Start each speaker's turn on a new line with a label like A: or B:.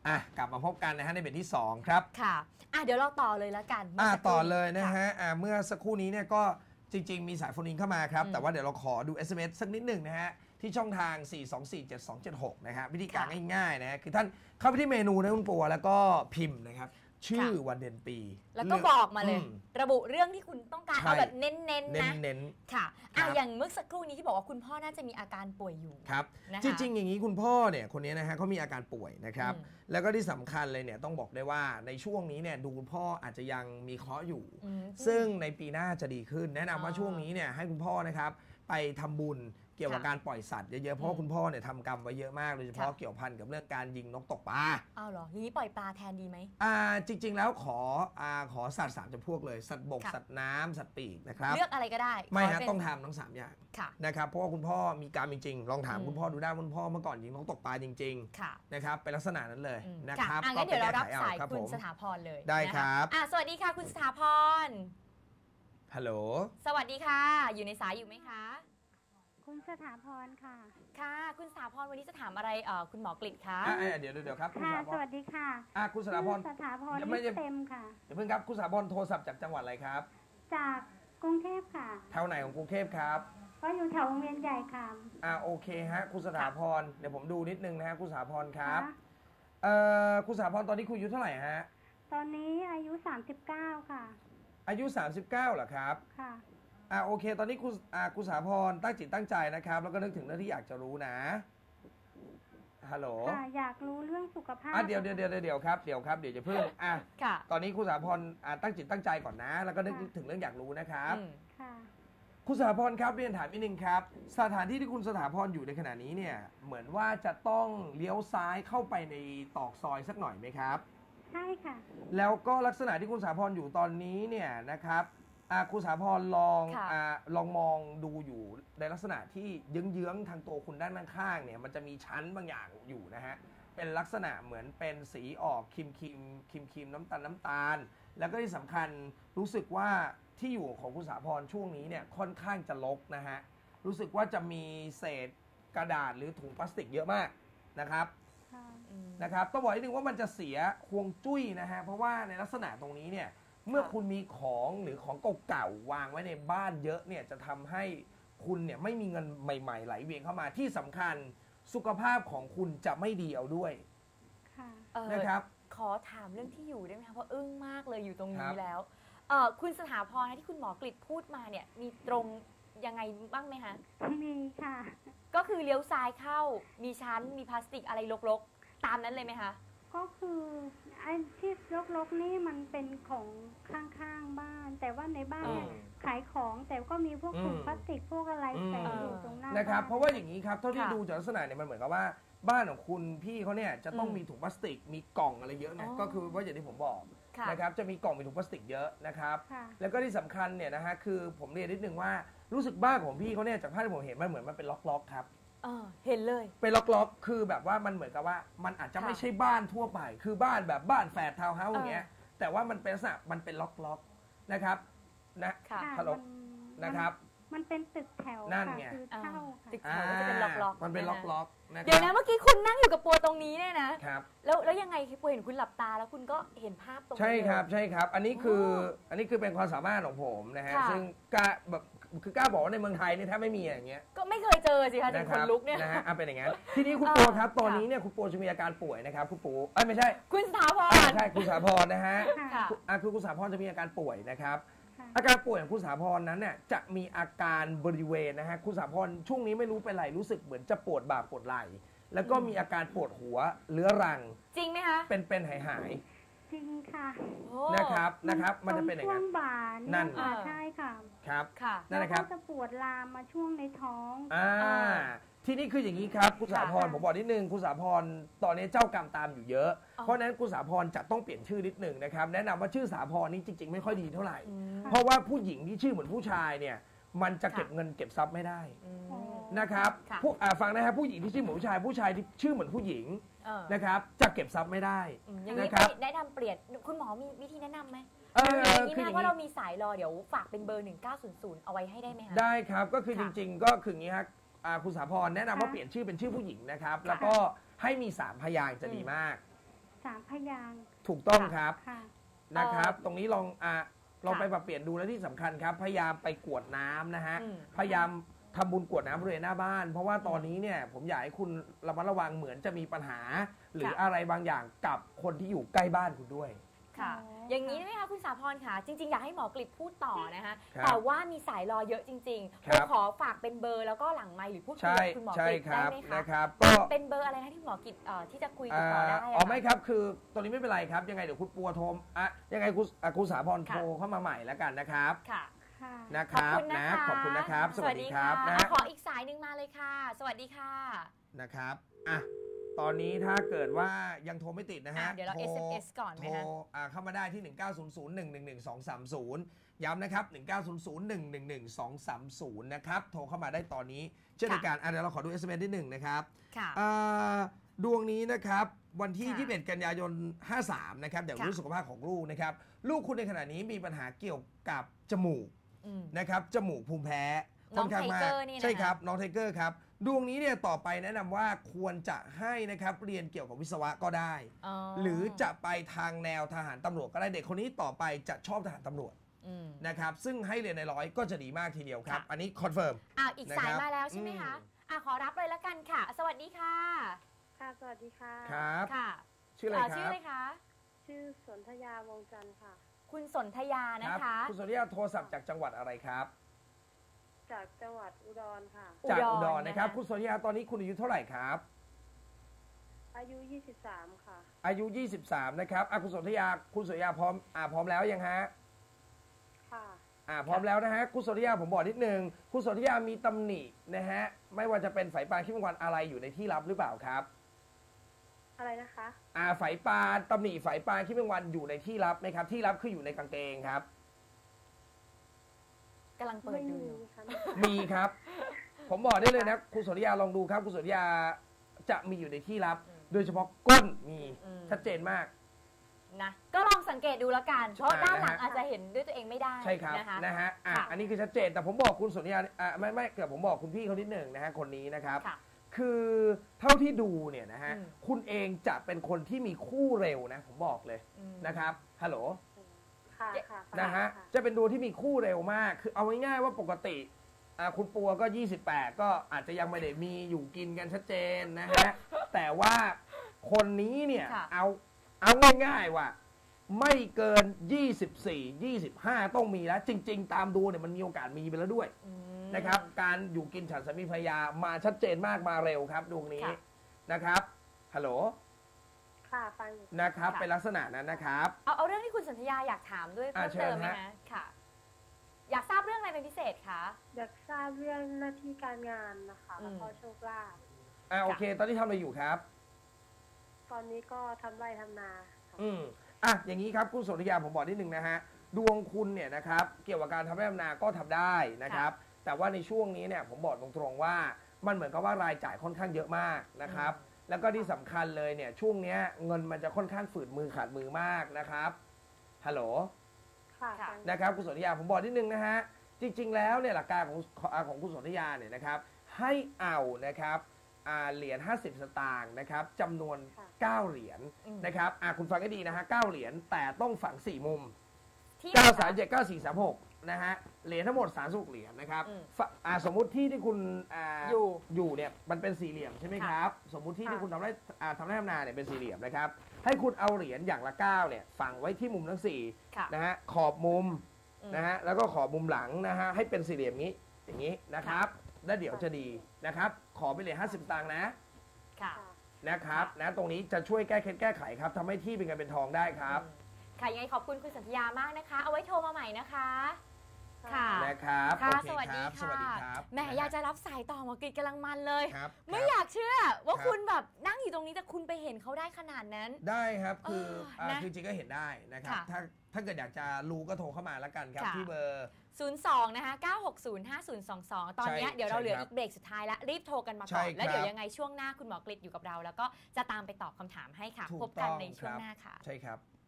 A: กลับมาพบกันนะฮะในเบรกที่2ครับ
B: ค่ะเดี๋ยวเราต่อเลยแล้วกัน
A: ต่อเลยนะฮะเมื่อสักครู่นี้เนี่ยก็จริงๆมีสายโฟนอินเข้ามาครับแต่ว่าเดี๋ยวเราขอดู SMS สักนิดหนึ่งนะฮะที่ช่องทาง 4247276 นะฮะวิธีการง่ายๆนะฮะคือท่านเข้าไปที่เมนูนะคุณปัวแล้วก็พิมพ์นะครับชื่อวันเดือนปี
B: แล้วก็บอกมาเลยระบุเรื่องที่คุณต้องการเอาแบบเน้นๆนะค่ะอย่างเมื่อสักครู่นี้ที่บอกว่าคุณพ่อน่าจะมีอาการป่วยอยู่
A: ครับจริงๆอย่างนี้คุณพ่อเนี่ยคนนี้นะฮะเขามีอาการป่วยนะครับแล้วก็ที่สำคัญเลยเนี่ยต้องบอกได้ว่าในช่วงนี้เนี่ยดูคุณพ่ออาจจะยังมีเคราะห์อยู่ซึ่งในปีหน้าจะดีขึ้นแนะนำว่าช่วงนี้เนี่ยให้คุณพ่อนะครับไปทำบุญเกี่ยวกับการปล่อยสัตว์เยอะๆเพราะว่าคุณพ่อเนี่ยทำกรรมไว้เยอะมากโดยเฉพาะเกี่ยวพันกับเรื่องการยิงนกตกปลา
B: เหรอทีนี้ปล่อยปลาแทนดีไหม
A: จริงๆแล้วขอสัตว์3จำพวกเลยสัตว์บกสัตว์น้ำสัตว์ปีกนะครับ
B: เลือกอะไรก็ได้
A: ไม่ฮะต้องทำทั้ง3อย่างนะครับเพราะว่าคุณพ่อมีกรรมจริงๆลองถามคุณพ่อดูได้คุณพ่อเมื่อก่อนยิงนกตกปลาจริงๆนะครับเป็นลักษณะนั้นเลยนะครับ
B: ก็เดี๋ยวเรารับสายคุณสถาพรเลย
A: ได้ครับ
B: สวัสดีค่ะคุณสถาพร
A: ฮัลโหล
B: สวัสดีค่ะอยู่ในสายอยู่ไหมคะ
C: คุณสถาพรค่ะ
B: ค่ะคุณสถาพรวันนี้จะถามอะไรคุณหมอกฤษคะ
A: เดี๋ยวครับ
C: ค่ะสวัสดีค่ะ
A: คุณสถาพร
C: ไม่เต็มค่ะ
A: เดี๋ยวเพิ่งครับคุณสถาพรโทรศัพท์จากจังหวัดอะไรครับ
C: จากกรุงเทพค่ะ
A: แถวไหนของกรุงเทพครับ
C: ก็อยู่แถววงเวียนใหญ่ค่ะ
A: โอเคฮะคุณสถาพรเดี๋ยวผมดูนิดนึงนะฮะคุณสถาพรครับคุณสถาพรตอนนี้คุณอายุเท่าไหร่ฮะ
C: ตอนนี้อายุ39ค่ะ
A: อายุ39เหรอครับ
C: ค่ะ
A: โอเคตอนนี้คุณสถาพรตั้งจิตตั้งใจนะครับแล้วก็นึกถึงเรื่องที่อยากจะรู้นะฮัลโหล
C: อยากรู้เรื่องสุขภาพ
A: เดี๋ยวครับเดี๋ยวจะเพิ่งตอนนี้คุณสถาพรตั้งจิตตั้งใจก่อนนะแล้วก็นึกถึงเรื่องอยากรู้นะครับคุณสถาพรครับเรียนถามนิดนึงครับสถานที่ที่คุณสถาพรอยู่ในขณะนี้เนี่ยเหมือนว่าจะต้องเลี้ยวซ้ายเข้าไปในตอกซอยสักหน่อยไหมครับ
C: ใช่ค่ะ
A: แล้วก็ลักษณะที่คุณสถาพรอยู่ตอนนี้เนี่ยนะครับคุณสถาพรลองมองดูอยู่ในลักษณะที่เยื้องๆทางตัวคุณด้านข้างเนี่ยมันจะมีชั้นบางอย่างอยู่นะฮะเป็นลักษณะเหมือนเป็นสีออกครีมน้ำตาลแล้วก็ที่สำคัญรู้สึกว่าที่อยู่ของคุณสถาพรช่วงนี้เนี่ยค่อนข้างจะรกนะฮะรู้สึกว่าจะมีเศษกระดาษหรือถุงพลาสติกเยอะมากนะครับต้องบอกนิดนึงว่ามันจะเสียฮวงจุ้ยนะฮะเพราะว่าในลักษณะตรงนี้เนี่ยเมื่อคุณมีของหรือของเก่าๆวางไว้ในบ้านเยอะเนี่ยจะทำให้คุณเนี่ยไม่มีเงินใหม่ๆไหลเวียนเข้ามาที่สำคัญสุขภาพของคุณจะไม่ดีเอาด้วยนะครับ
B: ขอถามเรื่องที่อยู่ได้ไหมคะเพราะอึ้งมากเลยอยู่ตรงนี้แล้วคุณสถาพรที่คุณหมอกฤษพูดมาเนี่ยมีตรงยังไงบ้างไหมคะ
C: มีค่ะ
B: ก็คือเลี้ยวซ้ายเข้ามีชั้นมีพลาสติกอะไรรกๆตามนั้นเลยไหมคะ
C: ก็คือไอ้ที่รกๆนี่มันเป็นของข้างๆบ้านแต่ว่าในบ้านเนี่ยขายของแต่ก็มีพวกถุงพลาสติกพวกอะไรแฝงอยู่ตรงหน้า
A: นะครับเพราะว่าอย่างนี้ครับเท่าที่ดูจากลักษณะเนี่ยมันเหมือนกับว่าบ้านของคุณพี่เขาเนี่ยจะต้องมีถุงพลาสติกมีกล่องอะไรเยอะนะก็คือว่าอย่างที่ผมบอกนะครับจะมีกล่องมีถุงพลาสติกเยอะนะครับแล้วก็ที่สำคัญเนี่ยนะฮะคือผมเรียนนิดนึงว่ารู้สึกบ้านของพี่เขาเนี่ยจากภาพที่ผมเห็นมันเหมือนมันเป็นล็อกๆครับ
B: เห็นเลย
A: เป็นล็อกๆคือแบบว่ามันเหมือนกับว่ามันอาจจะไม่ใช่บ้านทั่วไปคือบ้านแบบบ้านแฝดทาวน์เฮาส์อย่างเงี้ยแต่ว่ามันเป็นลักษณะมันเป็นล็อกๆนะครับนะฮัลโหลนะครับ
C: มันเป็นตึกแถว
A: นั่นไง
C: คือเช่า
B: ตึกแถวจะเป็นล็อก
A: ๆมันเป็นล็อกๆนะครับ
B: เดี๋ยวนะเมื่อกี้คุณนั่งอยู่กับปัวตรงนี้เนี่ยนะครับแล้วยังไงปัวเห็นคุณหลับตาแล้วคุณก็เห็นภาพตรงนี้
A: ใช่ครับอันนี้คือเป็นความสามารถของผมนะฮะซึ่งกล้าบอกว่าในเมืองไทยนี่แทบไม่มีอย่างเงี้ย
B: ก็ไม่เคยเจอสิคะถึงคนลุกเนี่ย
A: นะฮะเป็นอย่างงั้นทีนี้คุณปัวครับตอนนี้เนี่ยคุณปัวจะมีอาการป่วยนะครับคุณปัวไม่ใช่
B: คุณสถาพร
A: ใช่คุณสถาพรนะฮะคือคุณสถาพรจะมีอาการป่วยนะครับอาการป่วยของคุณสถาพรนั้นเนี่ยจะมีอาการบริเวณนะฮะคุณสถาพรช่วงนี้ไม่รู้เป็นไรรู้สึกเหมือนจะปวดบ่าปวดไหล่แล้วก็มีอาการปวดหัวเรื้อรัง
B: จริงไหมคะ
A: เป็นหาย
C: จริงค่ะ
A: นะครับมันจะเป็นอย่างนั้น
C: ช่วงบ่ายนั่นใช่ค่ะ
A: ครับ
C: นั่นแหละครับจะปวดลามมาช่วงในท้อง
A: ที่นี่คืออย่างนี้ครับคุณสถาพรผมบอกนิดนึงคุณสถาพรตอนนี้เจ้ากรรมตามอยู่เยอะเพราะนั้นคุณสถาพรจะต้องเปลี่ยนชื่อนิดนึงนะครับแนะนำว่าชื่อสถาพรนี่จริงๆไม่ค่อยดีเท่าไหร่เพราะว่าผู้หญิงที่ชื่อเหมือนผู้ชายเนี่ยมันจะเก็บเงินเก็บทรัพย์ไม่ได้นะครับฟังนะครับผู้หญิงที่ชื่อเหมือนผู้ชายที่ชื่อเหมือนผู้หญิงนะครับจะเก็บทรัพย์ไม่ได้
B: อย่างนี้แนะนำเปลี่ยนคุณหมอมีวิธีแนะนำไหมอย่างนี้นะว่าเรามีสายรอเดี๋ยวฝากเป็นเบอร์1900เอาไว้ให้ได้ไหมคะ
A: ได้ครับก็คือจริงๆก็คืออย่างนี้ครับคุณสถาพรแนะนำว่าเปลี่ยนชื่อเป็นชื่อผู้หญิงนะครับแล้วก็ให้มี3พยางค์จะดีมาก
C: 3 พยางค์
A: ถูกต้องครับ
C: ค่ะ
A: นะครับ ตรงนี้ลอง
B: ค่ะ
A: ไปปรับเปลี่ยนดูและที่สำคัญครับ พยายามไปกรวดน้ำนะฮะ
B: อืม
A: พยายามทำบุญกรวดน้ำบริเวณหน้าบ้าน เพราะว่าตอนนี้เนี่ยผมอยากให้คุณระมัดระวังเหมือนจะมีปัญหา หรืออะไรบางอย่างกับคนที่อยู่ใกล้บ้านคุณด้วย
B: ค่ะ
C: อ๋อ
B: อ
C: อ
B: ย่างนี้ได้ไหมคะคุณสาพรค่ะ จริง ๆ อยากให้หมอกฤษพูดต่อนะคะ
A: ครับ
B: แต่ว่ามีสายรอเยอะจริงๆ
A: ครับ
B: ขอฝากเป็นเบอร์แล้วก็หลังไมค์หรือพูดคุย
A: ใช่
B: กับคุณหมอก
A: ใช่
B: ฤษ
A: ค
B: ได้
A: รับ
B: ไหมคะ
A: นะครับก็
B: เป็นเบอร์อะไรนะที่หมอกฤษที่จะคุย
A: อ่
B: ติดต่อได้
A: อ๋อ
B: อะ
A: ไม่ครับคือตอนนี้ไม่เป็นไรครับ ยังไงเดี๋ยวคุณปัวโทรยังไงคุณสาพร
B: ค่ะ
A: โทรเข้ามาใหม่แล้วกันนะครับ
B: ค่ะ
C: ค่ะ
A: นะครับ
B: ขอบคุณนะคะ
A: ขอบคุณนะครับ สวัสดีครับ
B: ค่ะ
A: นะ
B: ขออีกสายหนึ่งมาเลยค่ะ สวัสดีค่ะ
A: นะครับอ่ะตอนนี้ถ้าเกิดว่ายังโทรไม่ติดนะฮะ
B: เดี๋ยวเรา
A: โท
B: SMS ก่อนไหม
A: โทร
B: คะ
A: เข้ามาได้ที่ 1900111230 ย้ำนะครับ 1900111230 นะครับ โทรเข้ามาได้ตอนนี้เช่นเดียวกันเดี๋ยวเราขอดู SMS ที่1นะครับ
B: ค่ะ
A: ดวงนี้นะครับวันที่
B: ค่ะ
A: 21 กันยายน 53 นะครับเดี๋ยว
B: ค่ะ
A: รู้สุขภาพของลูกนะครับ ลูกคุณในขณะนี้มีปัญหาเกี่ยวกับจมูก
B: อืม
A: นะครับจมูกภูมิแพ้
B: น้อง
A: ค่ข้างมาก
B: ไทเกอร์นี่นะคะ
A: ใช่ครับน้องไทเกอร์ครับดวงนี้เนี่ยต่อไปแนะนำว่าควรจะให้นะครับเรียนเกี่ยวกับวิศวะก็ได้
B: อ๋อ
A: หรือจะไปทางแนวทหารตำรวจก็ได้เด็กคนนี้ต่อไปจะชอบทหารตำรวจ
B: อืม
A: นะครับซึ่งให้เรียนในร้อยก็จะดีมากทีเดียวครับ
B: ค่ะ
A: อันนี้คอนเฟิร์ม
B: อีก
A: นะ
B: สา
A: ค
B: ย
A: รับ
B: มาแล้วใช่ไหมคะ ขอรับเลยละกันค่ะ สวัสดีค่ะ
C: ค่ะ สวัสดีค่ะ
A: ครับ
B: ค่ะ
A: ชื่ออะไรค
B: ชื่อ
A: รับ
B: อะไรคะ
C: ชื่อสนธยาวงจันทร์ค่ะ
B: คุณสนธยานะ
A: ครั
B: คะ
A: คุณสุริยาโทรศัพท์จากจังหวัดอะไรครับ
C: จากจังหวัดอุดรค่ะ
A: จาก
B: อุ
A: อุ
B: ด
A: ด
B: ร
A: รนะครับ
B: นะคะ
A: คุณสุริยาตอนนี้คุณอายุเท่าไหร่ครับ
C: อายุ 23 ค่ะ
A: อายุ 23 นะครับคุณสุริยาพร้อมแล้วยังฮะ
C: ค่ะ
A: พร้อมแล้วนะฮะคุณสุริยาผมบอกนิดนึงคุณสุริยามีตำหนินะฮะไม่ว่าจะเป็นไฝปลาขี้แมงวันอะไรอยู่ในที่ลับหรือเปล่าครับ
C: อะไรนะคะ
A: ไฝปลาตำหนิไฝปลาขี้แมงวันอยู่ในที่ลับไหมครับที่ลับคืออยู่ในกางเกงครับ
B: กำลังเปิด
C: ไม่
B: ดู
C: มี
B: อยู่
C: ค่ะ
A: มีครับ ผมบอกได้เลยนะคุณสุริยาลองดูครับคุณสุริยาจะมีอยู่ในที่ลับ โดยเฉพาะก้นมีชัดเจนมาก
B: นะก็ลองสังเกตดูแล้วกันเพราะด้านหลัง
A: นะฮะ
B: อาจจะเห็นด้วยตัวเองไม่ได้
A: ใช่ครับ
B: นะคะ
A: นะฮะ
B: ค่ะ
A: อันนี้คือชัดเจนแต่ผมบอกคุณสุริยาไม่เกิดผมบอกคุณพี่เขานิดหนึ่งนะฮะคนนี้นะครับ
B: ค่ะ
A: คือเท่าที่ดูเนี่ยนะฮะ
B: อืม
A: คุณเองจะเป็นคนที่มีคู่เร็วนะผมบอกเลย
B: อืม
A: นะครับฮัลโหล
C: ค่ะ ค่ะ
A: นะฮะ
C: ค่
A: จะเป็นดวงที่มีคู่เร็วมาก คือเอาง่ายๆว่าปกติคุณปัวก็ 28 ก็อาจจะยังไม่ได้มีอยู่กินกันชัดเจนนะฮะ แต่ว่าคนนี้เนี่ย
B: ค่ะ
A: เอาง่ายๆว่า ไม่เกิน 24 25 ต้องมีแล้ว จริง ๆ ตามดูเนี่ยมันมีโอกาสมีไปแล้วด้วย
B: อืม
A: นะครับ การอยู่กินฉันสามีภรรยามาชัดเจนมากมาเร็วครับดวงนี้
B: ค่ะ
A: นะครับฮัลโหล
C: ค่ะฟังอยู่
A: นะครับ
B: ค่ะ
A: เป็นลักษณะนั้นนะครับ
B: เอาเรื่องที่คุณสันธยาอยากถามด้วยเพิ่ม
A: เชิ
B: เติ
A: ญ
B: มไหม
A: ฮะ
B: คะค่ะ อยากทราบเรื่องอะไรเป็นพิเศษคะ
C: อยากทราบเรื่องหน้าที่การงานนะคะ
B: อืม
C: แล้วก็โชคลาภ
A: โอเค ตอนนี้ทำอะไรอยู่ครับ
C: ตอนนี้ก็ทำไร่ทำนาค่ะ
A: อย่างนี้ครับคุณสุริยาผมบอกนิดนึงนะฮะดวงคุณเนี่ยนะครับเกี่ยวกับการทำไร่ทำนาก็ทำได้นะครับ แต่ว่าในช่วงนี้เนี่ยผมบอกตรงๆว่ามันเหมือนกับว่ารายจ่ายค่อนข้างเยอะมากนะครับ แล้วก็ที่สำคัญเลยเนี่ยช่วงเนี้ยเงินมันจะค่อนข้างฝืดมือขาดมือมากนะครับฮัลโหล
C: ค่ะ
B: ค่ะ
C: ฟัง
A: นะครับคุณสุริยาผมบอกนิดนึงนะฮะจริงๆแล้วเนี่ยหลักการของคุณสุริยาเนี่ยนะครับให้เอานะครับเหรียญ50 สตางค์นะครับจำนวน 9 เหรียญ
B: อืม
A: นะครับคุณฟังให้ดีนะฮะ9เหรียญแต่ต้องฝัง 4 มุม
B: ที่
A: 9 3 7 9 4 3 6นะฮะเหรียญทั้งหมด36เหรียญนะครับ
B: อืม
A: สมมุติที่คุณ
B: อยู่
A: อยู่เนี่ยมันเป็นสี่เหลี่ยมใช่ไหมครับสมมุติที่คุณทำไร่ทำนาเนี่ยเป็นสี่เหลี่ยมนะครับให้คุณเอาเหรียญอย่างละ9เนี่ยฝังไว้ที่มุมทั้ง4
B: ค่ะ
A: นะฮะขอบมุม
B: อืม
A: นะฮะแล้วก็ขอบมุมหลังนะฮะให้เป็นสี่เหลี่ยมนี้อย่างนี้นะครับแล้วเดี๋ยวจะดีนะครับขอไปเหรียญ50 ตังค์นะ
B: ค่ะ
C: ค่ะ
A: นะครับนะตรงนี้จะช่วยแก้เคล็ดแก้ไขครับทำให้ที่เป็นเงินเป็นทองได้ครับ
B: ค่ะยังไงขอบคุณคุณสันธยามากนะคะ เอาไว้โทรมาใหม่นะคะ ค่ะ
A: นะครับ
B: ค่ะ
A: โอเค
B: สวัสดี
A: ครับส
B: ค่ะ
A: วัสดีครับ
B: แหมอยากจะรับสายต่อหมอกรีดกำลังมันเลย
A: ครับ
B: ไม่
A: ครับ
B: อยากเชื่อว่า
A: ครับ
B: คุณแบบนั่งอยู่ตรงนี้แต่คุณไปเห็นเขาได้ขนาดนั้น
A: ได้ครับคือ
B: นะ
A: คือจริงก็เห็นได้นะครับ
B: ค่ะ
A: ถ้าเกิดอยากจะรู้ก็โทรเข้ามาแล้วกันครับ
B: ค่ะ
A: ที่เบอร์
B: 02 นะคะ 9605022 ตอนเนี้ย
A: ใช่
B: เดี๋ยวเราเหลือ
A: ใช่ครับ
B: อีกเบรกสุดท้ายแล้ว รีบโทรกันมา
A: ใช่
B: ก่อน แล้ว
A: ครับ
B: เดี๋ยวยังไงช่วงหน้าคุณหมอกฤษอยู่กับเรา แล้วก็จะตามไปตอบคำถามให้ค่ะ
A: ถูก
B: พบกัน
A: ต้อง
B: ในช่วง
A: ครับ
B: หน้าค่ะ
A: ใช่ครับ